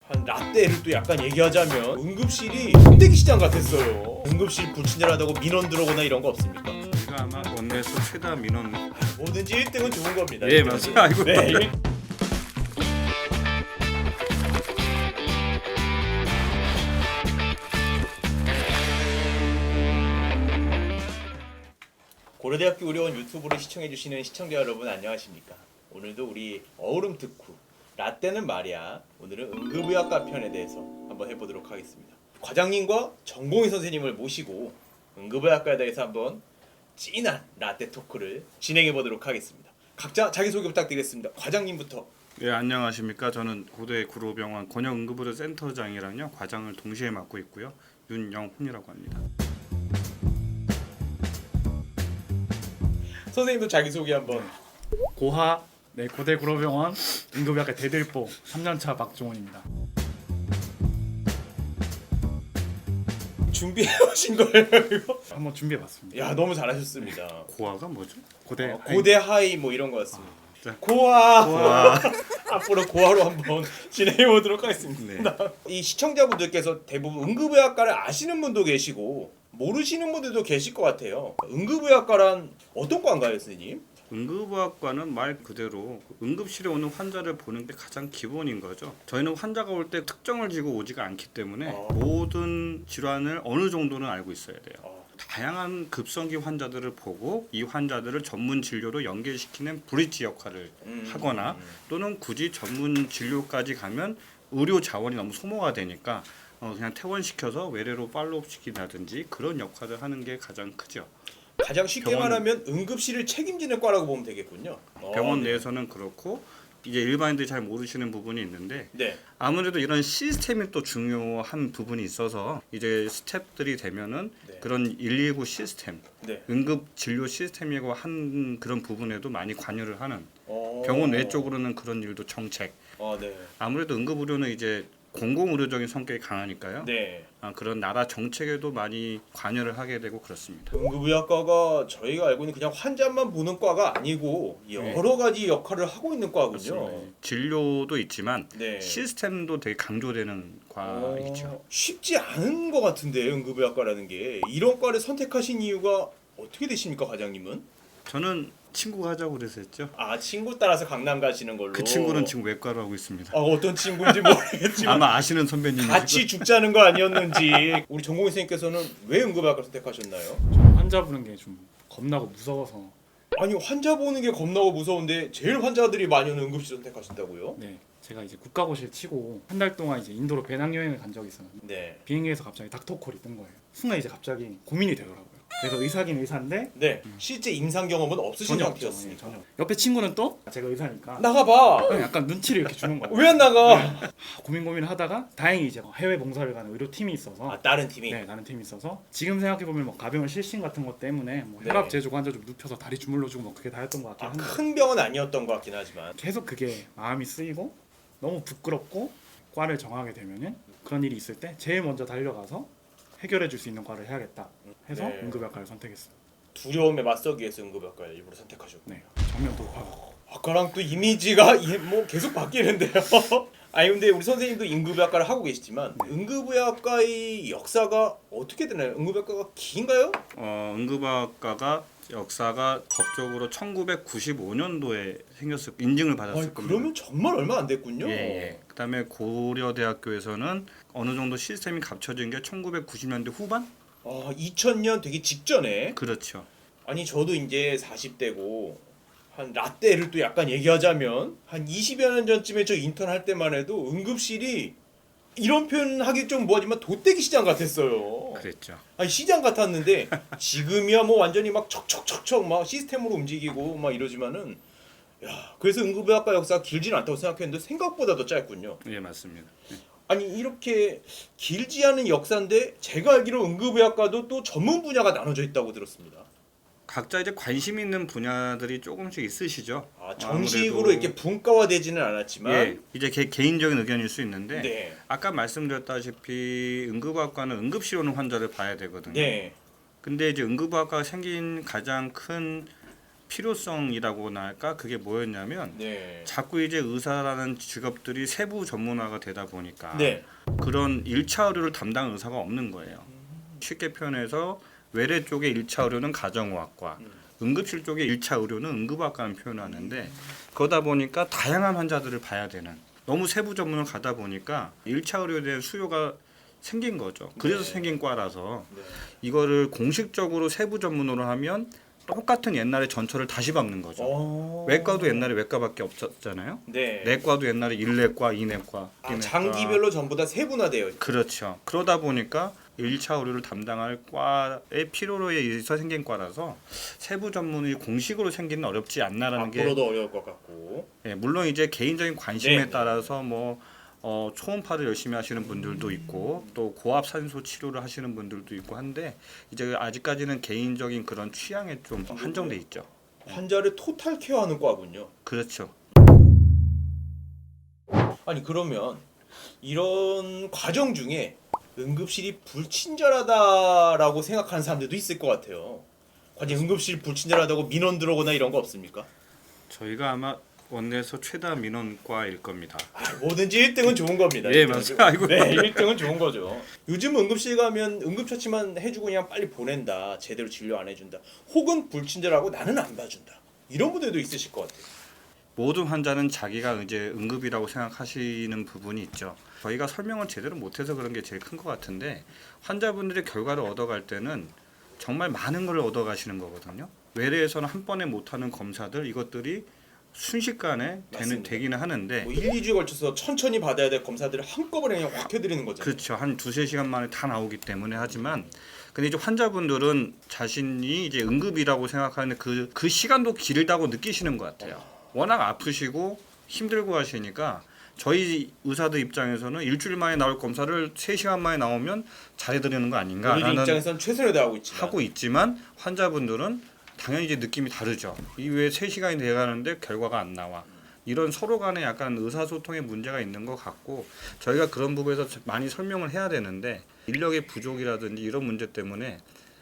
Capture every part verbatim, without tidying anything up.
한 라떼를 또 약간 얘기하자면 응급실이 껍데기 시장 같았어요. 응급실 불친절하다고 민원 들어오거나 이런 거 없습니까? 저희가 아마 원내에서 최다 민원. 뭐든지 일 등은 좋은 겁니다. 예, 맞아요. 아이고. 네, 일- 고려대학교 의료원 유튜브를 시청해주시는 시청자 여러분 안녕하십니까? 오늘도 우리 어우름 득후 라떼는 말이야. 오늘은 응급의학과 편에 대해서 한번 해보도록 하겠습니다. 과장님과 전공의 선생님을 모시고 응급의학과에 대해서 한번 찐한 라떼 토크를 진행해 보도록 하겠습니다. 각자 자기소개 부탁드리겠습니다. 과장님부터. 예, 안녕하십니까? 저는 고대 구로병원 권역응급의료 센터장이랑요 과장을 동시에 맡고 있고요. 윤영훈이라고 합니다. 선생님도 자기소개 한번. 고하 네 고대 구로병원 응급의학과 대들보 삼 년차 박종원입니다. 준비해 오신 거예요 이거? 한번 준비해봤습니다. 야 너무 잘하셨습니다. 고아가 뭐죠? 고대 어, 고대 하이 뭐 이런 거 같습니다. 자. 고아. 고아. 앞으로 고아로 한번 진행해 보도록 하겠습니다. 네. 이 시청자분들께서 대부분 응급의학과를 아시는 분도 계시고 모르시는 분들도 계실 것 같아요. 응급의학과란 어떤 과인가요, 선생님? 응급의학과는 말 그대로 응급실에 오는 환자를 보는 게 가장 기본인 거죠. 저희는 환자가 올 때 특정을 지고 오지가 않기 때문에 어. 모든 질환을 어느 정도는 알고 있어야 돼요. 어, 다양한 급성기 환자들을 보고 이 환자들을 전문 진료로 연계시키는 브릿지 역할을 음, 하거나 음. 또는 굳이 전문 진료까지 가면 의료 자원이 너무 소모가 되니까 어 그냥 퇴원시켜서 외래로 팔로업 시킨다든지 그런 역할을 하는 게 가장 크죠. 가장 쉽게 병원- 말하면 응급실을 책임지는 과라고 보면 되겠군요. 어, 병원 네. 내에서는 그렇고 이제 일반인들이 잘 모르시는 부분이 있는데 네. 아무래도 이런 시스템이 또 중요한 부분이 있어서 이제 스텝들이 되면은 네. 그런 일일구 시스템, 네. 응급 진료 시스템이고 한 그런 부분에도 많이 관여를 하는 어. 병원 외 쪽으로는 그런 일도 정책. 어, 네. 아무래도 응급의료는 이제 공공의료적인 성격이 강하니까요. 네. 아, 그런 나라 정책에도 많이 관여를 하게 되고 그렇습니다. 응급의학과가 저희가 알고 있는 그냥 환자만 보는 과가 아니고 여러 가지 역할을 하고 있는 과군요. 그렇습니다. 진료도 있지만 네. 시스템도 되게 강조되는 과이죠. 어, 쉽지 않은 것 같은데 응급의학과라는 게 이런 과를 선택하신 이유가 어떻게 되십니까, 과장님은? 저는 친구가 하자고 그래서 했죠. 아 친구 따라서 강남 가시는 걸로. 그 친구는 지금 외과로 하고 있습니다. 아 어떤 친구인지 모르겠지만 아마 아시는 선배님이시고. 같이 죽자는 거 아니었는지. 우리 전공의 선생님께서는 왜 응급의학과 선택하셨나요? 저는 환자 보는 게 좀 겁나고 무서워서 아니 환자 보는 게 겁나고 무서운데 제일 환자들이 많이 오는 응급실 선택하신다고요? 네 제가 이제 국가고시를 치고 한 달 동안 이제 인도로 배낭여행을 간 적이 있었는데 네. 비행기에서 갑자기 닥터콜이 뜬 거예요. 순간 이제 갑자기 고민이 되더라고요. 그래서 의사긴 의사인데 네. 실제 임상 경험은 없으신 전혀 없죠. 네, 상태였으니까. 전혀. 옆에 친구는 또 제가 의사니까 나가봐. 그냥 약간 눈치를 이렇게 주는 거예요. 왜 안 나가? 하, 고민 고민을 하다가 다행히 이제 해외 봉사를 가는 의료팀이 있어서 아 다른 팀이. 네, 나는 팀이 있어서 지금 생각해 보면 뭐 가병원 실신 같은 것 때문에 뭐 네. 혈압 재조가 환자 좀 눕혀서 다리 주물러주고 뭐 그게 다였던 것 같긴 아, 한데 큰 병은 아니었던 것 같긴 하지만. 계속 그게 마음이 쓰이고 너무 부끄럽고 과를 정하게 되면은 그런 일이 있을 때 제일 먼저 달려가서 해결해 줄 수 있는 과를 해야겠다 해서 네. 응급의학과를 선택했어요. 두려움에 맞서기 위해서 응급의학과를 일부러 선택하셨고. 네, 정면 돌파가. 아까랑 또 이미지가 이- 뭐 계속 바뀌는데요. 아니 근데 우리 선생님도 응급의학과를 하고 계시지만 네. 응급의학과의 역사가 어떻게 되나요? 응급의학과가 긴가요? 어, 응급학과가 역사가 법적으로 천구백구십오 년도에 생겼을 인증을 받았을 아니, 겁니다. 그러면 정말 얼마 안 됐군요. 예, 예. 그다음에 고려대학교에서는 어느 정도 시스템이 갖춰진 게 천구백구십 년대 후반? 아, 이천 년 되기 직전에. 그렇죠. 아니 저도 이제 사십 대고 한 라떼를 또 약간 얘기하자면 한 이십여 년 전쯤에 저 인턴 할 때만 해도 응급실이 이런 표현 하기 좀 뭐하지만 돗대기 시장 같았어요. 그랬죠. 아니 시장 같았는데 지금이야 뭐 완전히 막 척척척척 막 시스템으로 움직이고 막 이러지만은 야 그래서 응급의학과 역사가 길지는 않다고 생각했는데 생각보다 더 짧군요. 예, 맞습니다. 예. 아니 이렇게 길지 않은 역사인데 제가 알기로 응급의학과도 또 전문 분야가 나눠져 있다고 들었습니다. 각자 이제 관심 있는 분야들이 조금씩 있으시죠. 아, 정식으로 아무래도- 이렇게 분과화되지는 않았지만 예, 이제 개, 개인적인 의견일 수 있는데 네. 아까 말씀드렸다시피 응급학과는 응급실 오는 환자를 봐야 되거든요. 네. 근데 이제 응급학과가 생긴 가장 큰 필요성이라고나 할까 그게 뭐였냐면 네. 자꾸 이제 의사라는 직업들이 세부 전문화가 되다 보니까 네. 그런 일 차 의료를 담당하는 의사가 없는 거예요. 쉽게 표현해서 외래 쪽의 일 차 의료는 가정의학과, 음. 응급실 쪽의 일 차 의료는 응급의학과는 표현하는데 그러다 보니까 다양한 환자들을 봐야 되는 너무 세부 전문을 가다 보니까 일 차 의료에 대한 수요가 생긴 거죠. 그래서 네. 생긴 과라서 네. 이거를 공식적으로 세부 전문으로 하면 똑같은 옛날의 전철을 다시 밟는 거죠. 어... 외과도 옛날에 외과밖에 없었잖아요. 네. 내과도 옛날에 일내과, 이내과, 아, 비내과. 장기별로 전부 다 세분화되어 있죠. 그렇죠. 그러다 보니까 일 차 의료를 담당할 과의 필요로 의해서 생긴 과라서 세부 전문의 공식으로 생기는 어렵지 않나라는 게 앞으로도 어려울 것 같고. 예, 물론 이제 개인적인 관심에 네. 따라서 뭐 어, 초음파를 열심히 하시는 분들도 있고 또 고압 산소 치료를 하시는 분들도 있고 한데 이제 아직까지는 개인적인 그런 취향에 좀 한정돼 있죠. 환자를 토탈 케어하는 과군요. 그렇죠. 아니 그러면 이런 과정 중에 응급실이 불친절하다라고 생각하는 사람들도 있을 것 같아요. 과연 응급실 불친절하다고 민원 들어오거나 이런 거 없습니까? 저희가 아마 원내에서 최다 민원과일 겁니다. 아, 뭐든지 일 등은 좋은 겁니다. 예, 일 등은 맞아요. 좋- 아이고. 네, 일 등은 좋은 거죠. 요즘 응급실 가면 응급처치만 해주고 그냥 빨리 보낸다. 제대로 진료 안 해준다. 혹은 불친절하고 나는 안 봐준다. 이런 분들도 있으실 것 같아요. 모든 환자는 자기가 이제 응급이라고 생각하시는 부분이 있죠. 저희가 설명을 제대로 못해서 그런 게 제일 큰 것 같은데 환자분들의 결과를 얻어갈 때는 정말 많은 걸 얻어가시는 거거든요. 외래에서는 한 번에 못하는 검사들 이것들이 순식간에 되는, 맞습니다. 되기는 하는데 뭐 일, 이 주에 걸쳐서 천천히 받아야 될 검사들을 한꺼번에 그냥 확 해드리는 거잖아요. 그렇죠. 한 두세 시간 만에 다 나오기 때문에 하지만 근데 이제 환자분들은 자신이 이제 응급이라고 생각하는 그, 그 시간도 길다고 느끼시는 것 같아요. 워낙 아프시고 힘들고 하시니까 저희 의사들 입장에서는 일주일 만에 나올 검사를 세 시간 만에 나오면 잘해드리는 거 우리 아닌가라는 입장에서는 최선을 다하고 있지만 하고 있지만 환자분들은 당연히 이제 느낌이 다르죠. 이왜 세 시간이 돼가는데 결과가 안 나와. 이런 서로 간에 약간 의사소통의 문제가 있는 것 같고 저희가 그런 부분에서 많이 설명을 해야 되는데 인력의 부족이라든지 이런 문제 때문에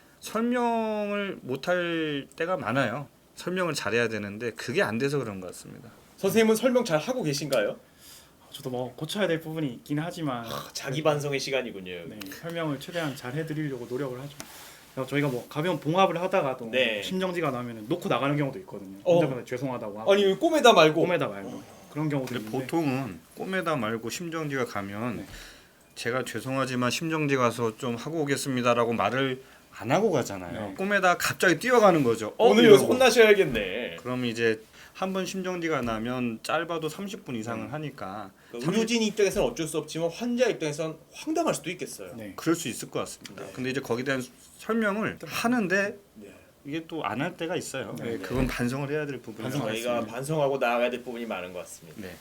설명을 못할 때가 많아요. 설명을 잘해야 되는데 그게 안 돼서 그런 것 같습니다. 선생님은 설명 잘 하고 계신가요? 저도 뭐 고쳐야 될 부분이 있긴 하지만 아, 자기 반성의 시간이군요. 네, 설명을 최대한 잘 해드리려고 노력을 하죠. 그래서 저희가 뭐 가벼운 봉합을 하다가도 네. 심정지가 나면 놓고 나가는 경우도 있거든요. 어. 환자분들 죄송하다고 하고 아니 왜 꼬매다 말고 꼬매다 말고 그런 경우도 근데 있는데 보통은 꼬매다 말고 심정지가 가면 네. 제가 죄송하지만 심정지 가서 좀 하고 오겠습니다라고 말을 안 하고 가잖아요. 네. 꼬매다 갑자기 뛰어가는 거죠. 어, 오늘 여기서 이러고. 혼나셔야겠네. 그럼 이제 한 번 심정지가 나면 짧아도 삼십 분 이상을 하니까 그러니까 의료진 입장에서는 어쩔 수 없지만 환자 입장에서는 황당할 수도 있겠어요. 네. 그럴 수 있을 것 같습니다. 네. 근데 이제 거기에 대한 설명을 하는데 네. 이게 또 안 할 때가 있어요. 네, 네, 네. 그건 반성을 해야 될 부분이에요. 반성을 저희가 맞습니다. 반성하고 나아가야 될 부분이 많은 것 같습니다. 네.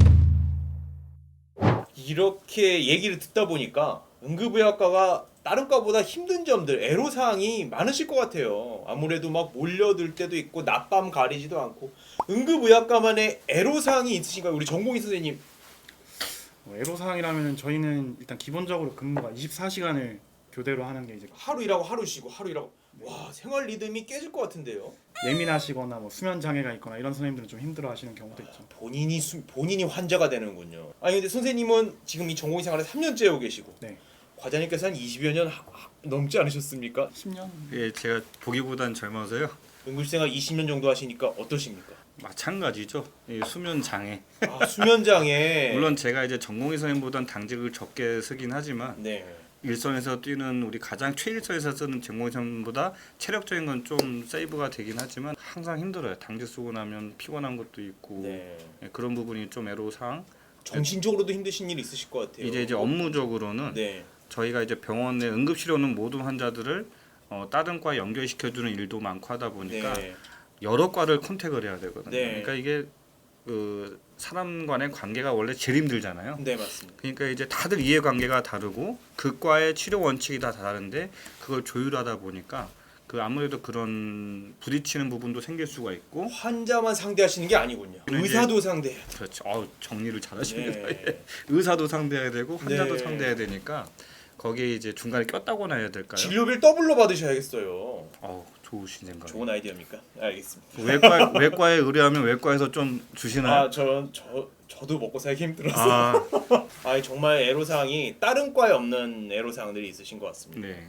이렇게 얘기를 듣다 보니까 응급의학과가 다른 과보다 힘든 점들, 애로사항이 많으실 것 같아요. 아무래도 막 몰려들 때도 있고 낮밤 가리지도 않고 응급의학과만의 애로사항이 있으신가요? 우리 전공의 선생님. 뭐 애로사항이라면 저희는 일단 기본적으로 근무가 이십사 시간을 교대로 하는 게 이제 하루 일하고 하루 쉬고 하루 일하고 와 생활 리듬이 깨질 것 같은데요. 예민하시거나 뭐 수면 장애가 있거나 이런 선생님들은 좀 힘들어하시는 경우도 있죠. 본인이 수, 본인이 환자가 되는군요. 아니 근데 선생님은 지금 이 전공의 생활을 삼 년째 하고 계시고 네. 과장님께서 한 이십여 년 하- 하- 넘지 않으셨습니까? 십 년 예, 제가 보기보단 젊어서요. 응급생활 이십 년 정도 하시니까 어떠십니까? 마찬가지죠. 이 수면 장애. 아, 수면장애. 물론 제가 이제 전공의 선생님보단 당직을 적게 쓰긴 하지만 네. 일선에서 뛰는 우리 가장 최일선에서 쓰는 전공의 선생님보다 체력적인 건 좀 세이브가 되긴 하지만 항상 힘들어요. 당직 쓰고 나면 피곤한 것도 있고 네. 예, 그런 부분이 좀 애로사항. 정신적으로도 힘드신 일 있으실 것 같아요. 이제 이제 업무적으로는 네. 저희가 이제 병원에 응급실에 오는 모든 환자들을 어, 다른 과에 연결시켜주는 일도 많고 하다 보니까 네. 여러 과를 컨택을 해야 되거든요. 네. 그러니까 이게 그 사람 간의 관계가 원래 제일 힘들잖아요. 네 맞습니다. 그러니까 이제 다들 이해관계가 다르고 그 과의 치료 원칙이 다 다른데 그걸 조율하다 보니까 그 아무래도 그런 부딪히는 부분도 생길 수가 있고 환자만 상대하시는 게 아니군요. 이제- 의사도 상대해야 돼요. 그렇죠. 어우, 정리를 잘하십니다. 네. 의사도 상대해야 되고 환자도 네. 상대해야 되니까 거기에 이제 중간에 꼈다고나 해야 될까요? 진료비를 더블로 받으셔야겠어요. 어우, 좋으신 생각. 좋은 아이디어입니까? 알겠습니다. 외과 외과에 의뢰하면 외과에서 좀 주시나요? 아, 저, 저, 저도 먹고 살기 힘들어서. 아, 아, 정말 애로사항이 다른 과에 없는 애로사항들이 있으신 것 같습니다. 네.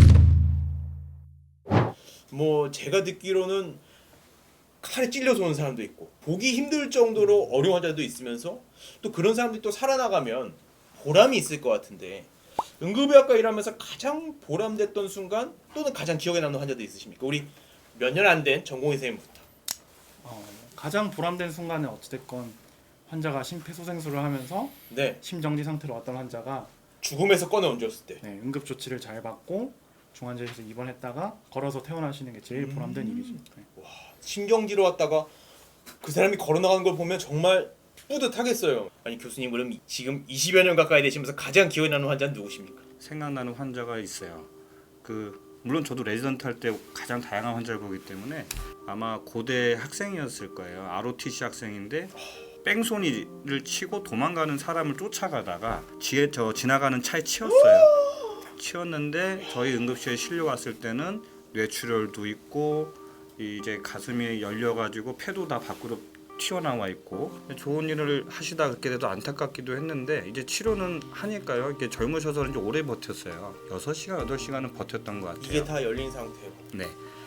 뭐 제가 듣기로는 칼에 찔려서 오는 사람도 있고 보기 힘들 정도로 어려운 환자도 있으면서 또 그런 사람들이 또 살아나가면 보람이 있을 것 같은데 응급의학과 일하면서 가장 보람됐던 순간 또는 가장 기억에 남는 환자도 있으십니까? 우리 몇 년 안 된 전공의 선생님부터. 어, 가장 보람된 순간은 어찌됐건 환자가 심폐소생술을 하면서 네, 심정지 상태로 왔던 환자가 죽음에서 꺼내 얹었을 때. 네, 응급 조치를 잘 받고 중환자실에서 입원했다가 걸어서 퇴원하시는 게 제일 보람된 음. 일이죠. 네. 신경지로 왔다가 그 사람이 걸어나가는 걸 보면 정말 뿌듯하겠어요. 아니 교수님 그럼 지금 이십여 년 가까이 되시면서 가장 기억에 남는 환자는 누구십니까? 생각나는 환자가 있어요. 그 물론 저도 레지던트 할 때 가장 다양한 환자를 보기 때문에 아마 고대 학생이었을 거예요. 알오티씨 학생인데 뺑소니를 치고 도망가는 사람을 쫓아가다가 지에 저 지나가는 차에 치였어요. 치였는데 저희 응급실에 실려 왔을 때는 뇌출혈도 있고 이제 가슴이 열려가지고 폐도 다 밖으로 튀어나와 있고 좋은 일을 하시다 그렇게 돼도 안타깝기도 했는데 이제 치료는 하니까요. 이게 젊으셔서 그런지 오래 버텼어요. 여섯 시간, 여덟 시간은 버텼던 것 같아요. 이게 다 열린 상태로. 네.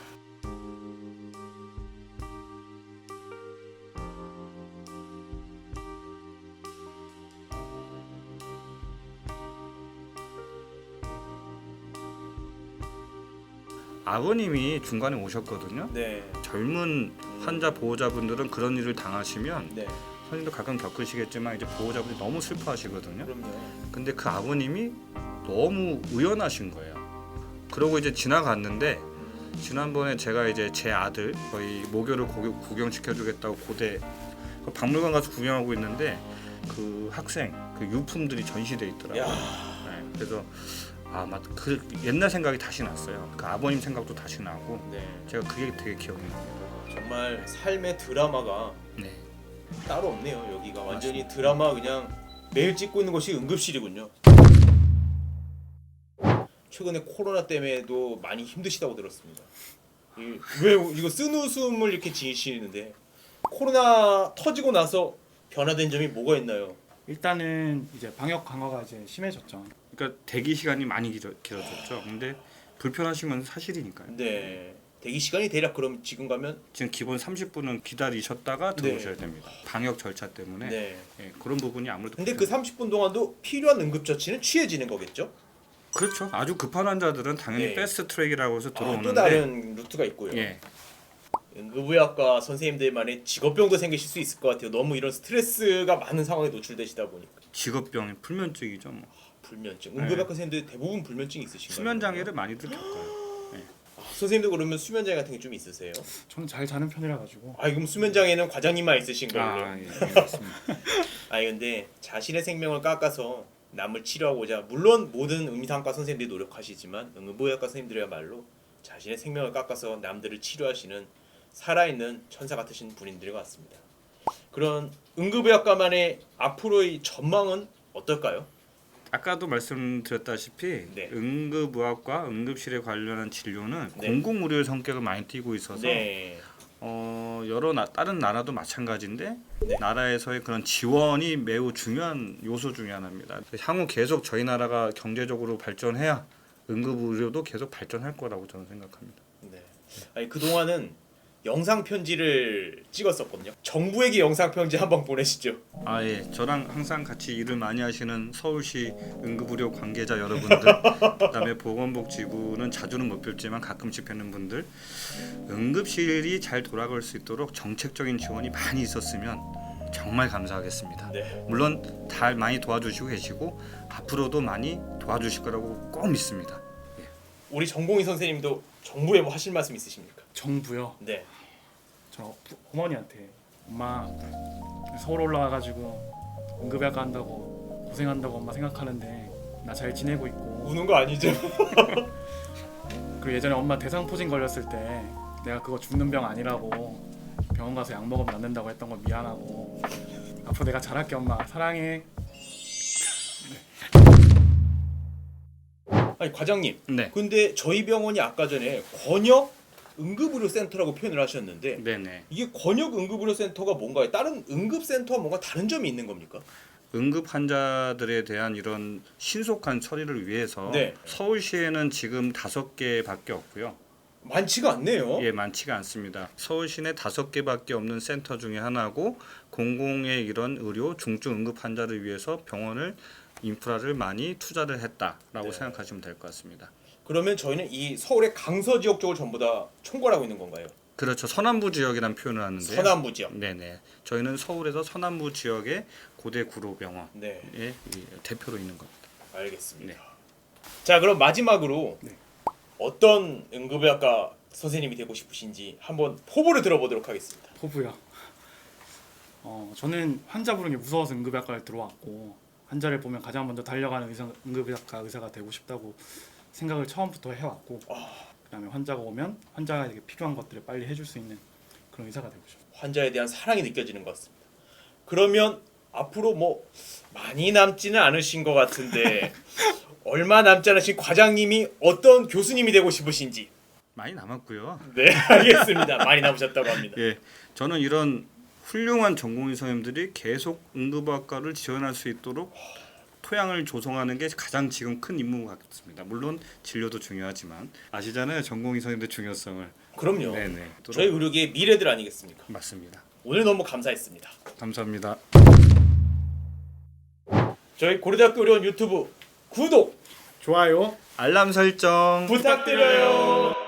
아버님이 중간에 오셨거든요. 네. 젊은 환자 보호자분들은 그런 일을 당하시면 네. 선생님도 가끔 겪으시겠지만 이제 보호자분이 너무 슬퍼하시거든요. 그럼요. 근데 그 아버님이 너무 의연하신 거예요. 그러고 이제 지나갔는데 지난번에 제가 이제 제 아들 거의 모교를 구경시켜주겠다고 고대 그 박물관 가서 구경하고 있는데 그 학생 그 유품들이 전시돼 있더라고요. 야, 네, 그래서 아, 맞, 그 옛날 생각이 다시 났어요. 그 아버님 생각도 다시 나고 네. 제가 그게 되게 기억이 나요. 정말 삶의 드라마가 네. 따로 없네요. 여기가 완전히 드라마 그냥 매일 찍고 있는 것이 응급실이군요. 최근에 코로나 때문에도 많이 힘드시다고 들었습니다. 이, 왜 이거 쓴 웃음을 이렇게 지으시는데 코로나 터지고 나서 변화된 점이 뭐가 있나요? 일단은 이제 방역 강화가 이제 심해졌죠. 그러니까 대기 시간이 많이 길어, 길어졌죠. 근데 불편하신 건 사실이니까요. 네. 대기 시간이 대략 그럼 지금 가면 지금 기본 삼십 분은 기다리셨다가 네. 들어오셔야 됩니다. 방역 절차 때문에 네. 예, 그런 부분이 아무래도 근데 그 불편- 삼십 분 동안도 필요한 응급처치는 취해지는 거겠죠? 그렇죠. 아주 급한 환자들은 당연히 네. 패스트 트랙이라고 해서 아, 들어오는데 또 다른 루트가 있고요. 예. 응급의학과 선생님들만의 직업병도 생기실 수 있을 것 같아요. 너무 이런 스트레스가 많은 상황에 노출되시다 보니까. 직업병이 불면증이죠. 뭐. 불면증. 네. 응급의학과 선생님들 대부분 불면증이 있으신가요? 수면 장애를 많이들 겪어요. 아, 선생님도 그러면 수면 장애 같은 게 좀 있으세요? 저는 잘 자는 편이라 가지고 아, 그럼 수면 장애는 과장님만 있으신 거예요? 아, 예, 예, 맞습니다. 아니 근데 자신의 생명을 깎아서 남을 치료하고자 물론 모든 의미상과 선생님들이 노력하시지만 응급의학과 선생님들이야말로 자신의 생명을 깎아서 남들을 치료하시는 살아있는 천사 같으신 분인들 같습니다. 그런 응급의학과만의 앞으로의 전망은 어떨까요? 아까도 말씀드렸다시피 네. 응급의학과 응급실에 관련한 진료는 네. 공공의료의 성격을 많이 띠고 있어서 네. 어, 여러 나, 다른 나라도 마찬가지인데 네. 나라에서의 그런 지원이 매우 중요한 요소 중에 하나입니다. 향후 계속 저희 나라가 경제적으로 발전해야 응급의료도 계속 발전할 거라고 저는 생각합니다. 네. 아니 그 동안은 영상 편지를 찍었었거든요. 정부에게 영상 편지 한번 보내시죠. 아 예, 저랑 항상 같이 일을 많이 하시는 서울시 응급의료 관계자 여러분들, 그다음에 보건복지부는 자주는 못 뵙지만 가끔씩 뵙는 분들, 응급실이 잘 돌아갈 수 있도록 정책적인 지원이 많이 있었으면 정말 감사하겠습니다. 네. 물론 다 많이 도와주시고 계시고 앞으로도 많이 도와주실 거라고 꼭 믿습니다. 우리 전공의 선생님도 정부에 뭐 하실 말씀 있으십니까? 정부요. 네. 저 부- 어머니한테 엄마 서울 올라와가지고 응급의학과 한다고 고생한다고 엄마 생각하는데 나 잘 지내고 있고 우는 거 아니죠? 그리고 예전에 엄마 대상포진 걸렸을 때 내가 그거 죽는 병 아니라고 병원 가서 약 먹으면 낫는다고 했던 거 미안하고 앞으로 내가 잘할게 엄마 사랑해. 아니 과장님, 네. 근데 저희 병원이 아까 전에 권역 응급의료센터라고 표현을 하셨는데 네네. 이게 권역 응급의료센터가 뭔가요? 다른 응급센터와 뭔가 다른 점이 있는 겁니까? 응급 환자들에 대한 이런 신속한 처리를 위해서 네. 서울시에는 지금 다섯 개밖에 없고요. 많지가 않네요. 예, 많지가 않습니다. 서울시 내 다섯 개밖에 없는 센터 중에 하나고 공공의 이런 의료 중증 응급 환자를 위해서 병원을 인프라를 많이 투자를 했다라고 네. 생각하시면 될 것 같습니다. 그러면 저희는 이 서울의 강서 지역 쪽을 전부 다 총괄하고 있는 건가요? 그렇죠. 서남부 지역이라는 표현을 하는데요. 서남부 지역. 네네. 저희는 서울에서 서남부 지역의 고대 구로병원의 네, 이 대표로 있는 겁니다. 알겠습니다. 네. 자, 그럼 마지막으로 네. 어떤 응급의학과 선생님이 되고 싶으신지 한번 포부를 들어보도록 하겠습니다. 포부요. 어 저는 환자 부르는 게 무서워서 응급의학과를 들어왔고 환자를 보면 가장 먼저 달려가는 의사, 응급의학과 의사가 되고 싶다고 생각을 처음부터 해왔고 그다음에 환자가 오면 환자에게 필요한 것들을 빨리 해줄 수 있는 그런 의사가 되고 싶어요. 환자에 대한 사랑이 느껴지는 것 같습니다. 그러면 앞으로 뭐 많이 남지는 않으신 것 같은데 얼마 남지 않으신 과장님이 어떤 교수님이 되고 싶으신지. 많이 남았고요. 네, 알겠습니다. 많이 남으셨다고 합니다. 예, 저는 이런 훌륭한 전공의 선생님들이 계속 응급학과를 지원할 수 있도록 토양을 조성하는 게 가장 지금 큰 임무 같습니다. 물론 진료도 중요하지만 아시잖아요, 전공의 선생님들 중요성을. 그럼요. 네네. 저희 의료계의 미래들 아니겠습니까? 맞습니다. 오늘 너무 감사했습니다. 감사합니다. 저희 고려대학교 의료원 유튜브 구독 좋아요. 알람 설정 부탁드려요.